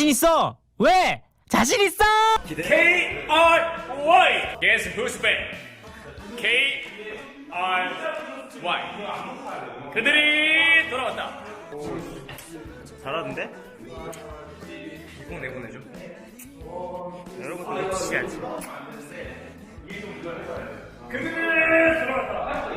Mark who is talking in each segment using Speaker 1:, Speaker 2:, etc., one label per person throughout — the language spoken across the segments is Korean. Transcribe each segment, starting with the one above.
Speaker 1: 자신 있어. 왜? 자신 있어.
Speaker 2: K-R-Y. Guess who's back? K-R-Y. 그들이 돌아왔다. 잘하는데? 꼭 내보내줘. 여러분들 치야지. 그들이 돌아왔다.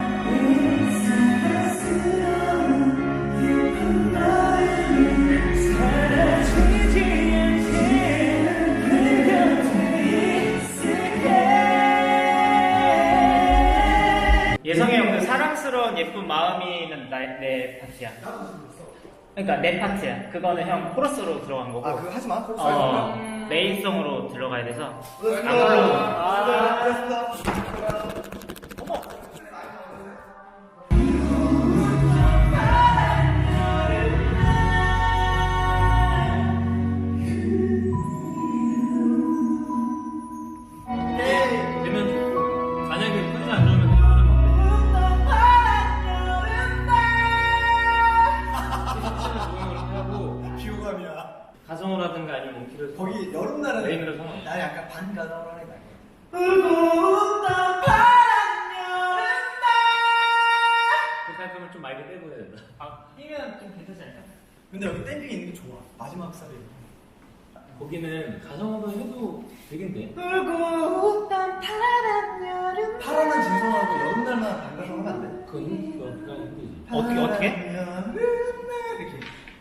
Speaker 3: 예성이 형 그 사랑스러운 예쁜 마음이 있는 내 파트야. 그러니까 내 파트야. 그거는 형 코러스로 들어간 거고.
Speaker 4: 아 그거 하지 마. 코러스 하지 마.
Speaker 3: 메인송으로 들어가야 돼서.
Speaker 2: 되면 만약에 끝이 안 좋으면 하는 건데.
Speaker 4: 비호감이야.
Speaker 3: 가성우라든가 아니면 키를
Speaker 4: 거기 여름날은
Speaker 3: 메인으로 상관.
Speaker 4: 나 약간 반가다라는 거.
Speaker 3: 그렇게 할 거면 좀 맑게 떼고 해야 된다. 아, 뛰면 좀 괜찮지 않을까?
Speaker 4: 근데 여기 댐핑 있는 게 좋아. 마지막 살이.
Speaker 2: 거기는 가성으로 해도 되겠네.
Speaker 4: 파란은 진성하고 여름날만 반가서 하면 안 돼?
Speaker 2: 그건 힘들지.
Speaker 3: 어떻게?
Speaker 4: 이렇게.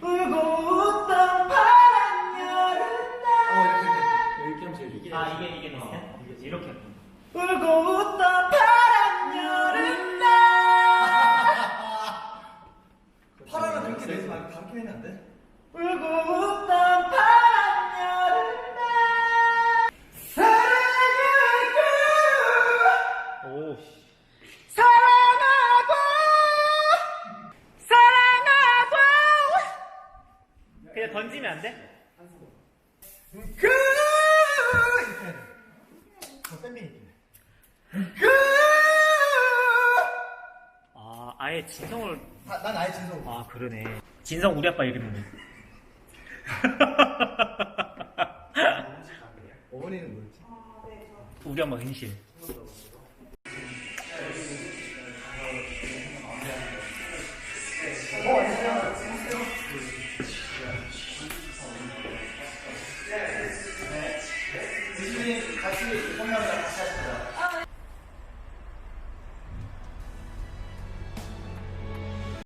Speaker 2: 이렇게 하면 제일 좋지.
Speaker 3: 아, 이게 비슷해? 이렇게 했구나.
Speaker 4: 파란은 그렇게 내지 말고 다르게 내면 안 돼?
Speaker 3: 오. 그냥 던지면 안 돼?
Speaker 4: 이렇게. 저 댐핑 있네.
Speaker 3: 아, 아예 진성을.
Speaker 4: 난 아예 진성.
Speaker 3: 아, 그러네. 진성 우리 아빠 이름이네.
Speaker 4: 어머니는 뭐였지?
Speaker 3: 우리 엄마 은실.